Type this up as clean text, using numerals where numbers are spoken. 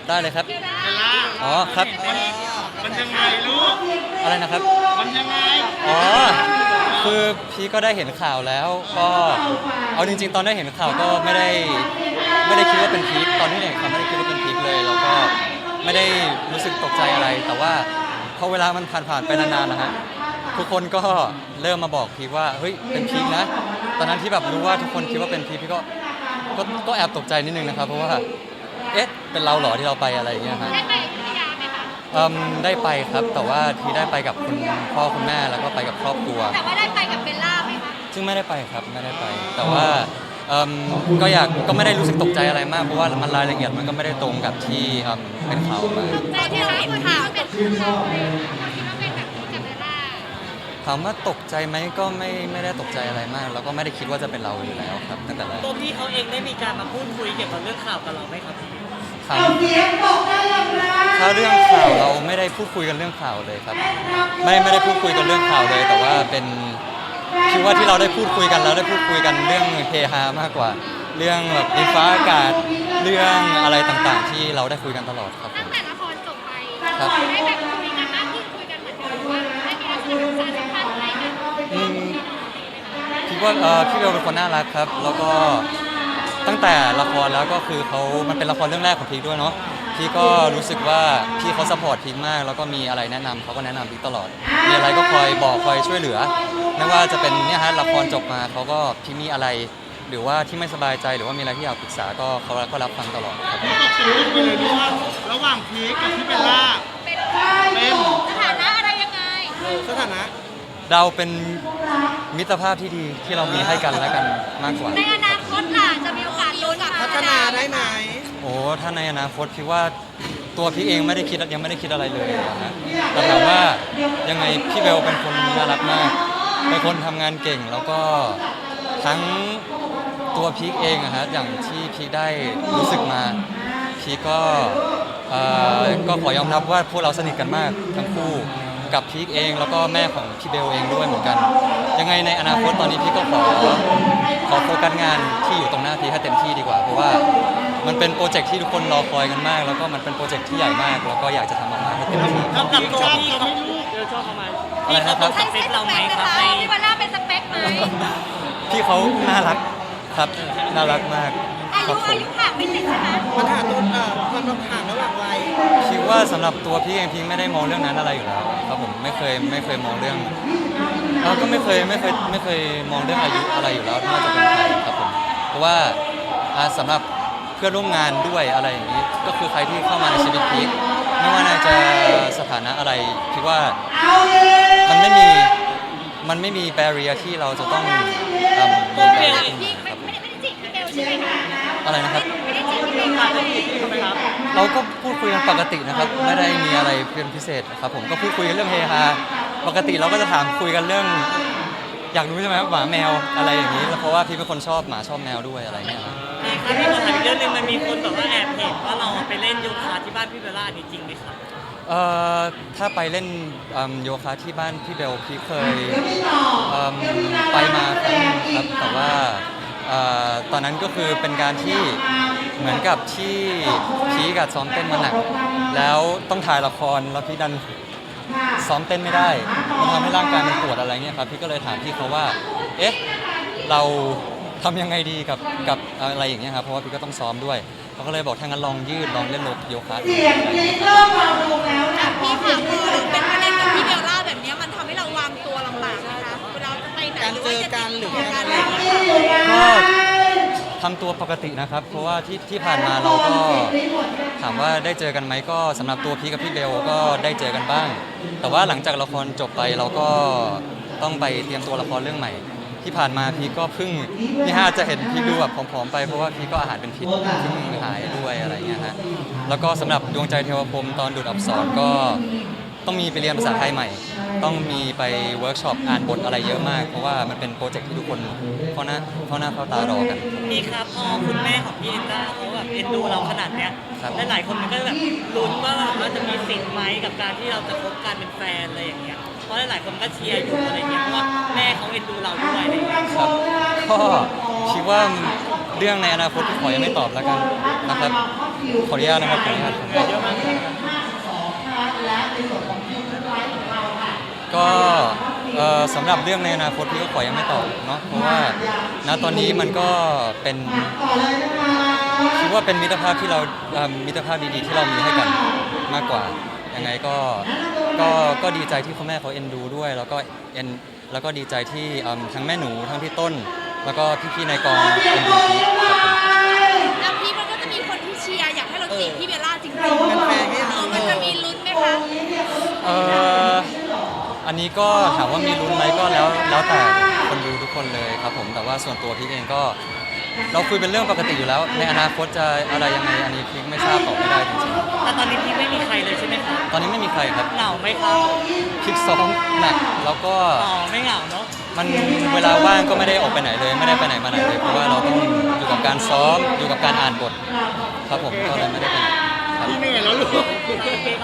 ได้เลยครับเบลล่าอ๋อครับมันยังไงลูกอะไรนะครับมันยังไงอ๋อคือพี่ก็ได้เห็นข่าวแล้วก็เอาจริงๆตอนได้เห็นข่าวก็ไม่ได้คิดว่าเป็นพีคตอนที่เห็นข่าวไม่ได้คิดว่าเป็นพีคเลยแล้วก็ไม่ได้รู้สึกตกใจอะไรแต่ว่าพอเวลามันผ่านไปนานๆนะฮะทุกคนก็เริ่มมาบอกพีคว่าเฮ้ยเป็นพีคนะตอนนั้นที่แบบรู้ว่าทุกคนคิดว่าเป็นพีคพี่ก็แอบตกใจนิดนึงนะครับเพราะว่าเอ๊ะเป็นเราเหรอที่เราไปอะไรอย่างเงี้ยฮะได้ไปอยุธยาไหมคะได้ไปครับแต่ว่าที่ได้ไปกับคุณพ่อคุณแม่แล้วก็ไปกับครอบครัวแต่ว่าได้ไปกับเบลล่าไหมคะซึ่งไม่ได้ไปครับไม่ได้ไปแต่ว่าก็ไม่ได้รู้สึกตกใจอะไรมากเพราะว่ามันรายละเอียดมันก็ไม่ได้ตรงกับที่เป็นข่าวมาในที่เราเห็นข่าวเป็นคู่เราเลยเราคิดว่าเป็นแบบกับเบลล่าถามว่าตกใจไหมก็ไม่ได้ตกใจอะไรมาก แล้วก็ไม่ได้คิดว่าจะเป็นเราอยู่แล้วครับตั้งแต่แรกตัวพี่เขาเองได้มีการมาพูดคุยเกี่ยวกับเรื่องข่าวกับเราไหมครับครับถ้าเรื่องข่าวเราไม่ได้พูดคุยกันเรื่องข่าวเลยครับไม่ได้พูดคุยกันเรื่องข่าวเลย แต่ว่าเป็นคิดว่าที่เราได้พูดคุยกันแล้วได้พูดคุยกันเรื่องเฮฮามากกว่า เรื่องแบบดินฟ้าอากาศเรื่องอะไรต่างๆ ที่เราได้คุยกันตลอดครับตั้งแต่ละครจบไปครับได้แบบคุยกันมากขึ้นคุยกันเหมือนเดิมว่าได้มีลักษณะสารสัมพันธ์อะไรกันคิดว่าพี่เบลเป็นคนน่ารักครับ แล้วก็ตั้งแต่ละครแล้วก็คือมันเป็นละครเรื่องแรกของพีคด้วยเนาะพี่ก็รู้สึกว่าพี่เขาซัพพอร์ตพีคมากแล้วก็มีอะไรแนะนำเขาก็แนะนำพีคตลอดมีอะไรก็คอยบอกคอยช่วยเหลือไม่ว่าจะเป็นเนี่ยฮะละครจบมาเขาก็พี่มีอะไร หรือว่าที่ไม่สบายใจหรือว่ามีอะไรที่อยากปรึกษาก็เขาก็รับฟังตลอดครับตกลงไปเลยด้วยว่าระหว่างพีคกับพี่เบลล่าเป็นสถานะอะไรยังไงสถานะเราเป็นมิตรภาพที่ดีที่เรามีให้กันและกันมากกว่าในอนาคตล่ะจะมีโอกาสลุ้นพัฒนาได้ไหมโอ้ถ้าในอนาคตพี่ว่าตัวพี่เองไม่ได้คิดยังไม่ได้คิดอะไรเลยนะฮะแต่ถามว่ายังไงพี่เบลเป็นคนน่ารักมากเป็นคนทำงานเก่งแล้วก็ทั้งตัวพีคเองอะฮะอย่างที่พีคได้รู้สึกมาพีคก็ขอยอมรับว่าพวกเราสนิทกันมากทั้งคู่กับพีคเองแล้วก็แม่ของพี่เบลเองด้วยเหมือนกันยังไงในอนาคตตอนนี้พี่ก็ขอโฟกัสงานที่อยู่ตรงหน้าพีคให้เต็มที่ดีกว่าเพราะว่ามันเป็นโปรเจกต์ที่ทุกคนรอคอยกันมาก แล้วก็มันเป็นโปรเจกต์ที่ใหญ่มากแล้วก็อยากจะทำออกมาให้เต็มที่กับตัวพี่เขาชอบประมาณอะไรนะครับสเปคเราไหมครับในพี่เบลล่าเป็นสเปคไหมพี่เขาน่ารักครับน่ารักมากอาครัยุบผมห่างไม่ติดใช่ไหมปัญหาตัวความห่างระหว่างวัยคิดว่าสำหรับตัวพี่เองพี่ไม่ได้มองเรื่องนั้นอะไรอยู่แล้วครับผมไม่เคยมองเรื่องเราก็ไม่เคยมองเรื่องอายุอะไรอยู่แล้วน่าจะเป็นใครครับผมเพราะว่าสำหรับเพื่อนร่วมงานด้วยอะไรอย่างนี้ก็คือใครที่เข้ามาในชีวิตพีคไม่ว่านายจะสถานะอะไรคิดว่ามันไม่มีแบเรียที่เราจะต้องมีแบเรียพี่ไม่ได้จีบพี่เบลใช่ไหมคะอะไรนะครับไม่ได้จีบพี่เบลค่ะเราก็พูดคุยกันปกตินะครับไม่ได้มีอะไรเป็นพิเศษครับผมก็พูดคุยกันเรื่องเฮฮาปกติเราก็จะถามคุยกันเรื่อง อยากรู้ใช่ไหมหมาแมวอะไรอย่างนี้แล้วเพราะว่าพี่เป็นคนชอบหมาชอบแมวด้วยอะไรเงี้ยครับพี่ครับพี่ขอถามอีกเรื่องหนึงมันมีคนแบบว่าแอบเห็นว่าเราไปเล่นโยคะที่บ้านพี่เบลล่านี่จริงไหมครับถ้าไปเล่นโยคะที่บ้านพี่เบลพี่เคยไปมาครั้งหนึงครับแต่ว่าตอนนั้นก็คือเป็นการที่เหมือนกับที่พีกับซ้อมเต้นมาหนักแล้วต้องถ่ายละครแล้วพี่ดันซ้อมเต้นไม่ได้มันทำให้ร่างกายมันปวดอะไรเงี้ยครับพี่ก็เลยถามพี่เขาว่าเอ๊ะเราทำยังไงดีกับอะไรอย่างเงี้ยครับเพราะว่าพี่ก็ต้องซ้อมด้วยเขาก็เลยบอกถ้างั้นลองยืดลองเล่นโยคะดูอะไรอย่างเงี้ยครับพี่ค่ะคือเป็นประเด็นกับพี่เบลล่าแบบนี้มันทำให้เราวางตัวลำบากนะคะเวลาจะไปไหนการหรือเจว่าอจะกันหรือติดอะกันไรอะไรอย่างเงี้ยก็ทำตัวปกตินะครับ เพราะว่าที่ผ่านมาเราก็ถามว่าได้เจอกันไหมก็สำหรับตัวพี่กับพี่เบลก็ได้เจอกันบ้าง แต่ว่าหลังจากละครจบไปเราก็ต้องไปเตรียมตัวละครเรื่องใหม่ ที่ผ่านมาพี่ก็เพิ่งนี่ฮะจะเห็นพี่ดูแบบผอมๆไปเพราะว่าพี่ก็อาหารเป็นพิษเพิ่งหายด้วยอะไรเงี้ยฮะแล้วก็สำหรับดวงใจเทวพรหมตอนดูดอักษรก็ต้องมีไปเรียนภาษาไทยใหม่ ต้องมีไปเวิร์กช็อปอ่านบทอะไรเยอะมากเพราะว่ามันเป็นโปรเจกต์ที่ทุกคนเข้าหน้าเข้าตารอกันพี่ครับพอคุณแม่ของพี่เอ็นด้าเขาแบบเอ็นดูเราขนาดเนี้ยครับหลายๆคนมันก็แบบลุ้นว่าแบบว่าจะมีสิทธิ์ไหมกับการที่เราจะคบกันเป็นแฟนอะไรอย่างเงี้ยเพราะหลายๆคนก็เชียร์อยู่อะไรเงี้ยเพราะว่าแม่เขาเอ็นดูเราด้วยอะไรเงี้ยครับก็คิดว่าเรื่องในอนาคตพี่ขอยังไม่ตอบแล้วกันนะครับขออนุญาตนะครับขออนุญาตก็สำหรับเรื่องในอนาคตพี่ก็ขอยังไม่ตอบเนาะเพราะว่าณตอนนี้มันก็เป็นคิดว่าเป็นมิตรภาพที่เรามิตรภาพดีๆที่เรามีให้กันมากกว่ายังไงก็ดีใจที่คุณแม่เขาเอ็นดูด้วยแล้วก็ดีใจที่ทั้งแม่หนูทั้งพี่ต้น แล้วก็พี่ๆในกองเอ็นดูพีคครับผมแล้วพี่มันก็จะมีคนที่เชียร์อยากให้เราจีบพี่เบลล่าจริงๆมันจะมีลุ้นไหมคะอันนี้ก็ถามว่ามีลุ้นไหมก็แล้วแต่คนดูทุกคนเลยครับผมแต่ว่าส่วนตัวพี่เองก็เราคุยเป็นเรื่องปกติอยู่แล้วในอนาคตจะอะไรยังไงอันนี้พี่ไม่ทราบตอบไม่ได้จริงแต่ตอนนี้พี่ไม่มีใครเลยใช่ไหมครับๆตอนนี้ไม่มีใครครับเหงาไหมครับพี่ซ้อมหนักแล้วก็อ๋อไม่เหงาเนาะมันเวลาว่างก็ไม่ได้ออกไปไหนเลยไม่ได้ไปไหนมาไหนเลยเพราะว่าเราต้องอยู่กับการซ้อมอยู่กับการอ่านบทครับผมก็เลยไม่ได้ไปไหนครับพี่เหนื่อยแล้วลูกโอเคข